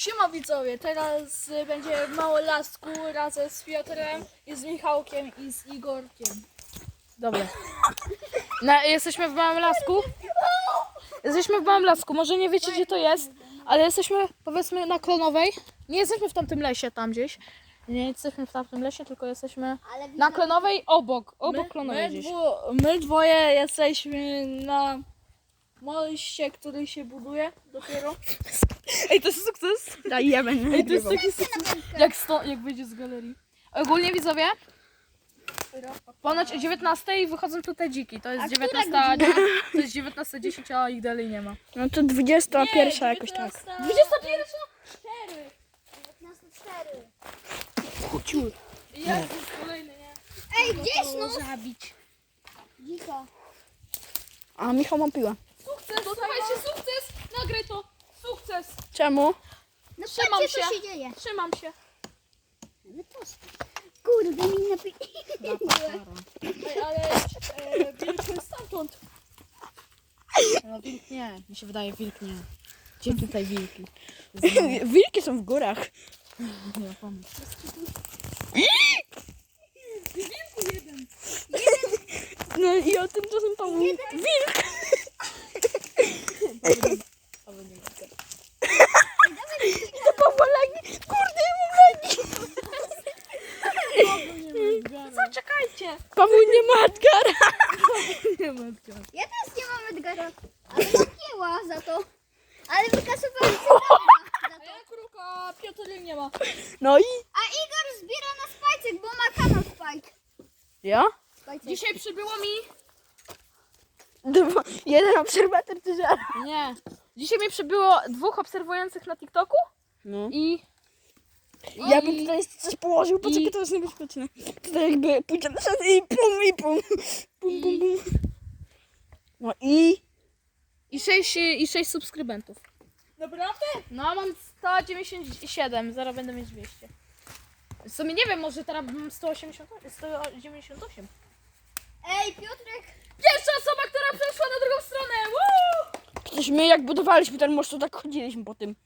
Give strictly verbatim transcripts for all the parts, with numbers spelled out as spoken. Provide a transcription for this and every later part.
Siema widzowie, teraz y, będzie mało lasku razem z Piotrem i z Michałkiem i z Igorkiem. Dobra. Na, jesteśmy w Małym Lasku. Jesteśmy w Małym Lasku. Może nie wiecie, gdzie to jest, ale jesteśmy, powiedzmy, na Klonowej. Nie jesteśmy w tamtym lesie tam gdzieś. Nie jesteśmy w tamtym lesie, tylko jesteśmy na Klonowej obok. Obok Klonowej my, gdzieś. dwu, my dwoje jesteśmy na moście, który się buduje dopiero. Ej, to jest sukces. Daj, ja będę Ej, to jest nagrywał. taki sukces. Jak, sto, jak wyjdzie z galerii. Ogólnie widzowie, ponoć o dziewiętnastej wychodzą tutaj dziki. To jest dziewiętnasta, to jest dziewiętnasta dziesięć, a ich dalej nie ma. No to dwudziesta pierwsza jakoś tak. dwudziesta pierwsza? cztery. dziewiętnaście cztery. Chuciur. Jest kolejny, nie? Ej, gdzie jest snus? Zabić. Dziko. A Michał ma piłę. Sukces, słuchajcie, sukces! Nagraj to! Sukces! Czemu? No Trzymam patrzcie, co się. się dzieje. Trzymam się. No to kurde, mi napi... Ej, ale e, wilk jest stamtąd. No wilk nie, mi się wydaje wilk nie. Gdzie tutaj wilki? Wilki są w górach. Nie, pomysł. No i o tym czasem Paweł. Wilk! To Paweł lagi. Kurde, ja mam lagi. Zaczekajcie. Paweł nie ma Edgara. Nie matka. Ja też nie mam Edgara. Ale napięła za to. Ale wykasowałem się za A to. ja kruka, Piotr nie ma. No i? A Igor zbiera na spajcek, bo ma kanał spajk. Ja? Spajcek. Dzisiaj przybyło mi... Dwa, jeden obserwator czy żart? Nie. Dzisiaj mi przybyło dwóch obserwujących na TikToku No. i... Ja bym tutaj coś położył, poczekaj, I- to jest niebezpieczne. Tutaj jakby pójdzie na szat i pum i pum. Pum, pum, pum. No i? I sześć, i sześć subskrybentów. Naprawdę? No, mam sto dziewięćdziesiąt siedem, zaraz będę mieć dwieście. W sumie nie wiem, może teraz mam sto osiemdziesiąt osiem, sto dziewięćdziesiąt osiem. Ej, Piotrek. Pierwsza osoba, która przeszła na drugą stronę! Woo! Przecież my jak budowaliśmy ten most, to tak chodziliśmy po tym.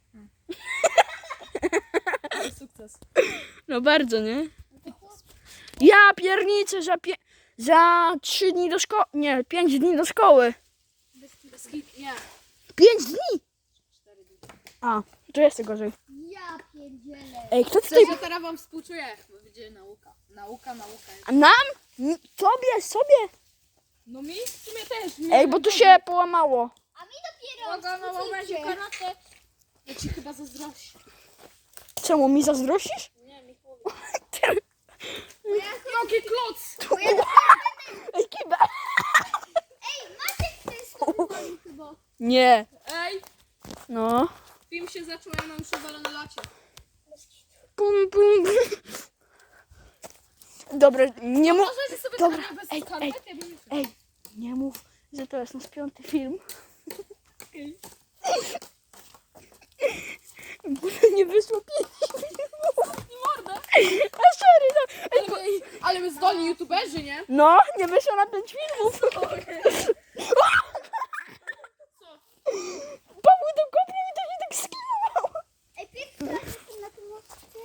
Ale sukces. No bardzo, nie? Ja pierniczę za, pie... za trzy dni do szkoły. Nie, pięć dni do szkoły. Nie. Pięć dni! A, to jest gorzej. Ja pierdzielę. Ej, kto tutaj... Coś, że teraz wam współczuję, bo będzie nauka. Nauka, nauka. A nam? N- Tobie, sobie? No mi w sumie też. Ej, bo tu się połamało. A mi dopiero Uwaga, na momencie współczucie. karate. Ja ci chyba zazdroszczę. Czemu, mi zazdrościsz? Nie, Michał. Bo ja, Jaki kloc! bo ja Ej, kiba! Ej, Maciek to jest normalny chyba. Nie. Ej, No. film się zaczął, ja mam już na lacie. Pum, pum. Dobra, nie mów... Możecie sobie Dobra, tak bez ej, skarpet, ja bym Ej, nie mów, że to jest nasz piąty film. Nie wyszło pięć filmów. mordę. A sorry, no. Ej, Ale, my- ale my zdolni youtuberzy, nie? no, nie wyszło na pięć filmów. Paweł to kopnął i to się tak skinowało. Ej, Piotrek, jestem na tym moście.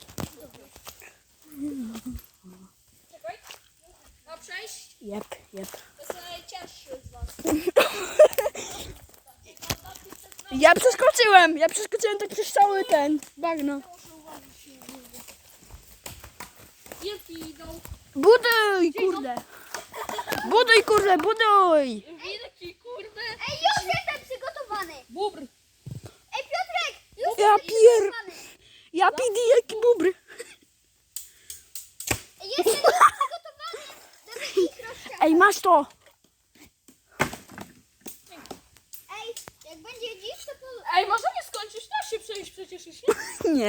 Czekaj. Ma przejść? Jep, jep. To jest najcięższy z was. Ja przeskoczyłem, ja przeskoczyłem tak przez cały ten bagno. Wilki idą. Buduj, kurde. Buduj, kurde, buduj. Wilki, kurde. Ej, już jestem przygotowany. Bubr. Ej, Piotrek, już Ja jestem pier... przygotowany. Ja pidi jaki bubr. Ej, jestem już przygotowany, żeby ich rozciągnąć. Ej, masz to. Ej, jak będzie dziś, to po... Ej, możemy skończyć? Da się przejść przecież jeśli... Nie,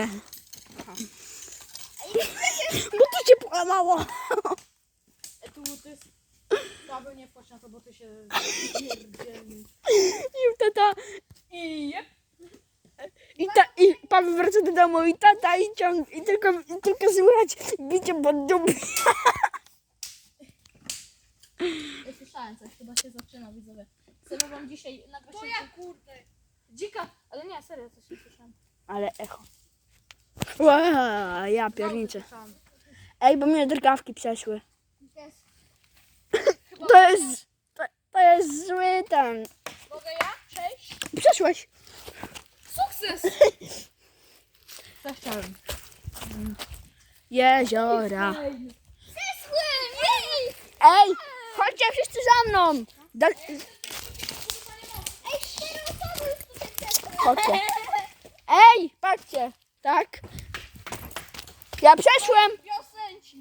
Ej, przecież... bo to cię połamało. Ej, tu to jest... Paweł, nie wchodź na to, bo ty się... pierdzielni. I tata, I jep. i, ta, i Paweł wraca do domu i tata i ciąg, i tylko, i tylko słychać bicie pod dupę. Ja słyszałem coś, chyba się zaczyna, widzowie. Chcemy wam dzisiaj nagrać... To ja, kurde. Dzika, ale nie, serio, coś nie słyszałem. Ale echo. Ła, ja pierniczę. Ej, bo mnie drgawki przeszły. Też. To jest... To, to jest zły ten. Mogę ja? Cześć. Przeszłeś. Sukces! Co chciałem? Jeziora. Zesłem! Jej! Ej, chodźcie wszyscy za mną. Da, Ej, cztery osoby już tutaj przeszły. chodźcie. Ej, patrzcie. Tak. Ja przeszłem. Wiosenci.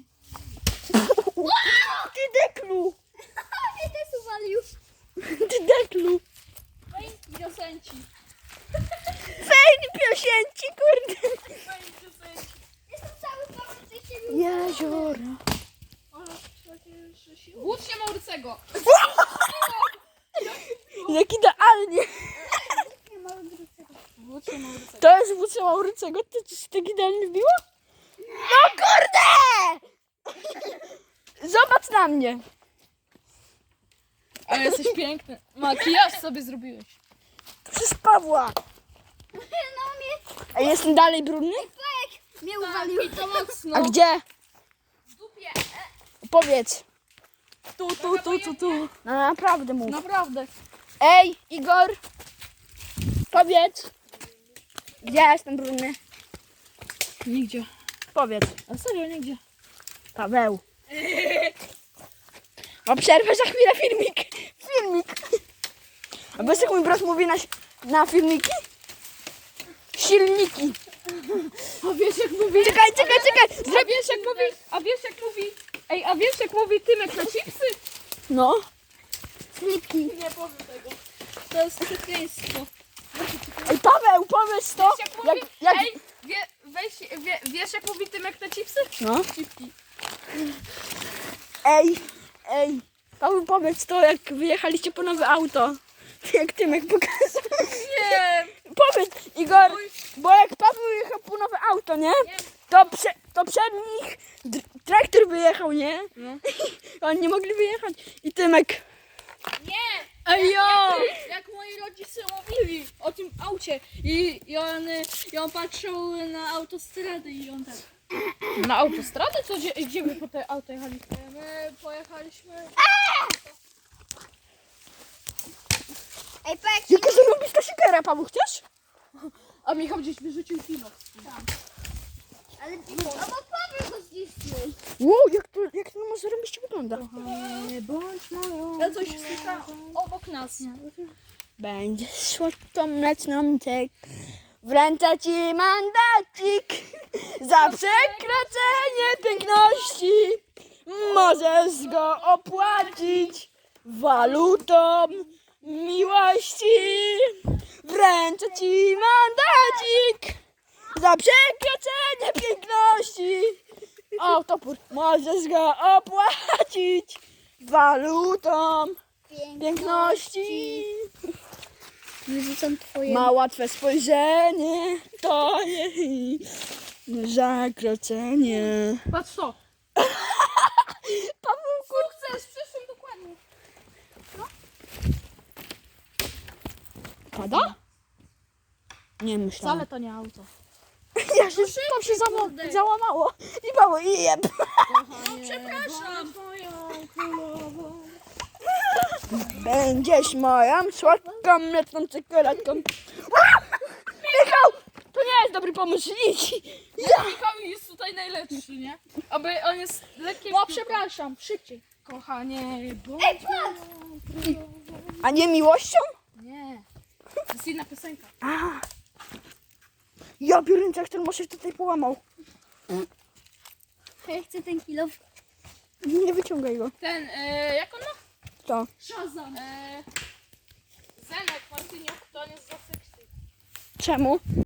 Ty deklu. Mnie też uwalił. Ty deklu. Fajni wiosenci. Fajni piosenci, kurde. Fajni wiosenci. Jestem cały pełen tej siebie. Jeziora. Ale takie siły. Wódź się Maurycego. Jak idealnie. Nie ma odwrócenia. Wódź się Maurycego. To jest wódz Maurycego. To ci tak idealnie wbiło? No kurde! Zobacz na mnie. Ale jesteś piękny. Makijaż sobie zrobiłeś. To przez Pawła. No mnie... A jestem dalej brudny? Fajek mnie uwalił. I to mocno. A gdzie? W dupie. Powiedz. Tu, tu, tu, tu, tu. No naprawdę mów. Naprawdę. Ej, Igor. Powiedz. Gdzie ja jestem brudny? Nigdzie. Powiedz. A serio, nigdzie. Paweł. O przerwę za chwilę filmik. Filmik. A wiesz jak mój brat mówi na, na filmiki? Silniki. A wiesz jak mówi... Czekaj, czekaj, czekaj. A wiesz jak mówi... A wiesz jak mówi... Ej, a wiesz jak mówi Tymek na chipsy? No. Slipki. Nie powiem tego. To jest przekleństwo. Ej, Paweł, powiedz to. Wiesz jak mówi... Jak, jak... Ej, wie, weź, wie, wiesz jak mówi Tymek na chipsy? No. Chipki. Ej, ej. Paweł, powiedz to, jak wyjechaliście po nowe auto. Jak Tymek pokazał. Nie. Powiedz, Igor, bo jak Paweł jechał po nowe auto, nie? To, prze, to przed nich dr- traktor wyjechał, nie? No. Oni nie mogli wyjechać. I Tymek. Nie! Ej, jo! Jak moi rodzice mówili o tym aucie i, i, on, i on patrzył na autostradę i on tak. Na autostradę? Co, gdzie, gdzie wy po te auto jechali? My pojechaliśmy. Ej, Pek, Jaka zarobista siekera, Paweł, chcesz? A Michał gdzieś wyrzucił kino. ale no bo Paweł go zniszczył. Wow, jak to, jak to ma zarobiście wygląda. Nie bądź moją... Ja coś słyszałam obok nas. Będzie słodką mleczną tek. Wręczę ci mandacik za przekroczenie piękności. Możesz go opłacić walutą miłości. Wręczę ci mandacik za przekroczenie piękności. O, topór. Możesz go opłacić walutą piękności. Wyrzucam twoje... Ma łatwe spojrzenie, to jej zakroczenie. Patrz to. Paweł, Sukces, przyszłym dokładnie. pada? Nie myślałem. Wcale to nie auto. Ja się, to się zamo- załamało. I Paweł, i jeb. Przepraszam. Będziesz moją słodką mleczną czekoladką. Michał, to nie jest dobry pomysł, idź. Michał jest tutaj najlepszy, nie? Aby on jest lekkim... No przepraszam, szybciej. Kochanie, bo... A nie miłością? Nie. To jest inna piosenka. A. Ja biorę jak ten może tutaj połamał. Ja chcę ten kilo. Nie wyciągaj go. Ten, e, jak on ma? To. Shazam. E, Zenek, Martyniuk, to on jest za seksy. Czemu?